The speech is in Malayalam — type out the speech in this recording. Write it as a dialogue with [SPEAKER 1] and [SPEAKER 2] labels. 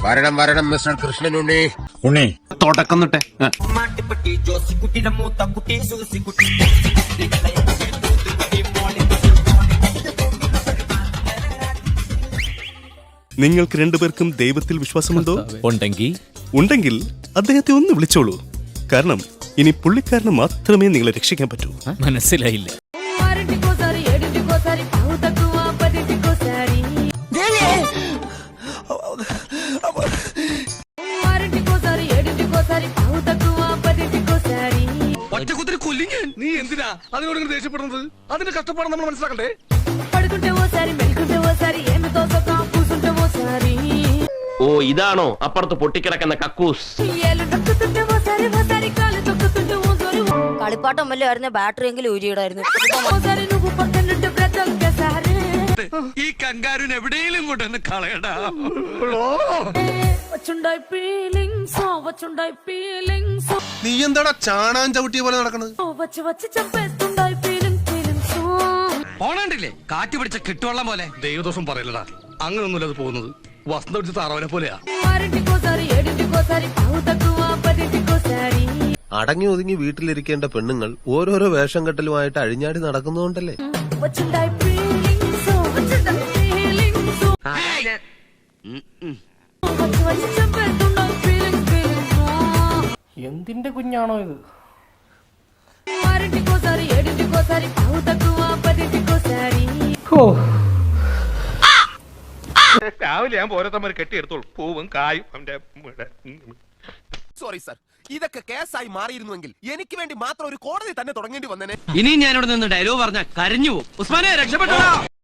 [SPEAKER 1] വരണം വരണം മിസ്റ്റർ കൃഷ്ണനുണ്ണി.
[SPEAKER 2] ഉണ്ണി
[SPEAKER 3] തുടക്കം തൊട്ടേ
[SPEAKER 4] നിങ്ങൾക്ക് രണ്ടുപേർക്കും ദൈവത്തിൽ വിശ്വാസമുണ്ടോ?
[SPEAKER 5] ഉണ്ടെങ്കിൽ
[SPEAKER 4] അദ്ദേഹത്തെ ഒന്ന് വിളിച്ചോളൂ. കാരണം ഇനി പുള്ളിക്കാരന് മാത്രമേ നിങ്ങളെ രക്ഷിക്കാൻ പറ്റൂ.
[SPEAKER 5] മനസ്സിലായില്ല.
[SPEAKER 3] നീ എന്തിനാ അതിനോട് ദേഷ്യപ്പെടുന്നത്? അതിന്റെ കഷ്ടപ്പാട് നമ്മൾ മനസ്സിലാക്കണ്ടേ?
[SPEAKER 6] ഓ ഇതാണോ അപ്പുറത്ത് പൊട്ടിക്കിടക്കുന്ന കക്കൂസ്?
[SPEAKER 7] കളിപ്പാട്ടം വല്ലതായിരുന്നു, ബാറ്ററി എങ്കിലും ഊരിയിടായിരുന്നു.
[SPEAKER 3] ഈ കങ്കാരുന് എവിടെയെങ്കിലും കൊണ്ടൊന്ന് കളയടാ.
[SPEAKER 1] നീ എന്താടാ ചാണാൻ ചവിട്ടിയ പോലെ നടക്കണത്?
[SPEAKER 3] പോണണ്ടില്ലേ കാറ്റ് പിടിച്ച കിട്ടുവെള്ളം പോലെ. ദൈവദോഷം പറയലടാ, അങ്ങനൊന്നുമില്ല അത് പോകുന്നത്. വസന്ത പിടിച്ച താറാവിനെ പോലെയാ.
[SPEAKER 8] അടങ്ങി ഒതുങ്ങി വീട്ടിലിരിക്കേണ്ട പെണ്ണുങ്ങൾ ഓരോരോ വേഷം കെട്ടലുമായിട്ട് അഴിഞ്ഞാടി നടക്കുന്നതുകൊണ്ടല്ലേ.
[SPEAKER 9] എന്തിന്റെ കുഞ്ഞാണോ ഇത്?
[SPEAKER 1] രാവിലെ ഞാൻ ഓരോരുത്തന്മാർ കെട്ടിയെടുത്തോളൂ, പൂവും കായും.
[SPEAKER 8] സോറി സർ, ഇതൊക്കെ കേസായി മാറിയിരുന്നുവെങ്കിൽ എനിക്ക് വേണ്ടി മാത്രം ഒരു കോടതി തന്നെ തുടങ്ങേണ്ടി വന്നേനെ.
[SPEAKER 6] ഇനി ഞാനിവിടെ നിന്ന് ഡയലോഗ് പറഞ്ഞാൽ കരഞ്ഞു പോകും. ഉസ്മാനെ രക്ഷപ്പെട്ടോ.